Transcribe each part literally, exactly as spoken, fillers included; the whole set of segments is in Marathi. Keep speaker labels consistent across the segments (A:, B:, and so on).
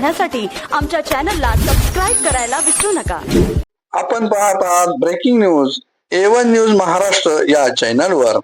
A: पाहण्यासाठी आमच्या चॅनलला सबस्क्राईब करायला विसरू नका।
B: आपण पाहत आहात breaking news A one news Maharashtra या चॅनलवर।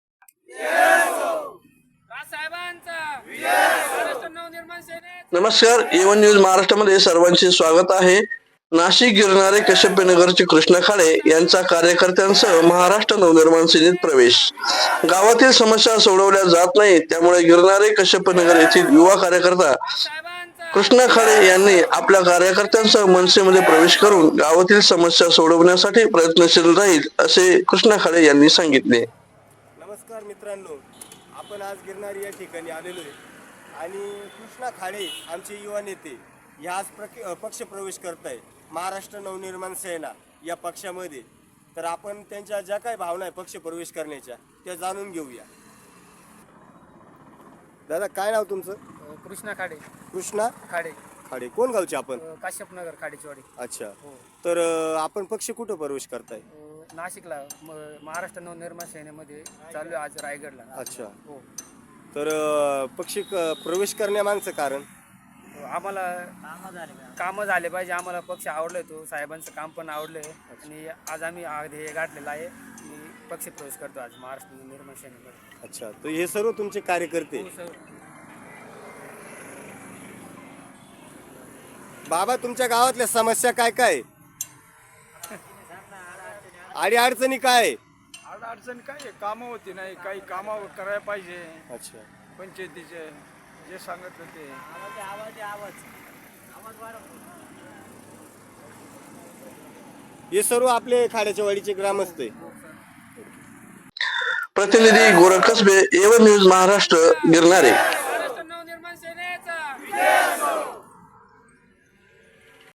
B: नमस्कार, ए वन न्यूज महाराष्ट्रामध्ये सर्वांचे स्वागत आहे। नाशिक गिरणारे कश्यपनगरचे कृष्णा खाडे यांचा कार्यकर्त्यांसह महाराष्ट्र नवनिर्माण सेनेत प्रवेश। गावातील समस्या सोडवल्या जात नाहीत, त्यामुळे गिरणारे कश्यपनगर येथील युवा कार्यकर्ता कृष्णा खाडे यांनी आपल्या कार्यकर्त्यांसह मनसेमध्ये प्रवेश करून गावातील समस्या सोडवण्यासाठी प्रयत्नशील राहील, असे कृष्णा खाडे यांनी सांगितले।
C: नमस्कार मित्रांनो, आपण आज गिरणारी या ठिकाणी आलेलो आहे आणि कृष्णा खाडे आमचे युवा नेते ह्या आज पक्ष प्रवेश करत आहे महाराष्ट्र नवनिर्माण सेना या पक्षामध्ये। तर आपण त्यांच्या ज्या काही भावना आहे पक्ष प्रवेश करण्याच्या त्या जाणून घेऊया। दादा, काय नाव तुमचं?
D: कृष्णा खाडे।
C: कृष्णा
D: खाडे
C: खाडे कोण गावचे आपण?
D: काश्यपनगर खाडीचवाडी।
C: अच्छा, तर आपण पक्ष कुठं प्रवेश करताय?
D: नाशिकला महाराष्ट्र नवनिर्माण सेनेमध्ये चालू आज रायगडला।
C: अच्छा
D: हो,
C: तर पक्ष प्रवेश करण्यामागचं कारण
D: आम्हाला कामं झाले पाहिजे। आम्हाला पक्ष आवडलाय, तो साहेबांचं काम पण आवडलंय आणि आज आम्ही हे गाठलेलं आहे की पक्ष प्रवेश करतो आज महाराष्ट्र नवनिर्माण सेनेमध्ये।
C: अच्छा, तर हे सर्व तुमचे कार्यकर्ते? बाबा, तुमच्या गावातल्या समस्या काय काय? अडी अडचणी काय?
E: अडचणी काय आहे, कामं होती नाही, काही कामं करायला पाहिजे।
C: अच्छा,
E: पंचायतीचे जे सांगत होते
C: हे सर्व आपले खाड्याच्या वाडीचे ग्रामस्थ आहे।
B: प्रतिनिधी Gorakh Kasbe, A one news Maharashtra, गिरणारे।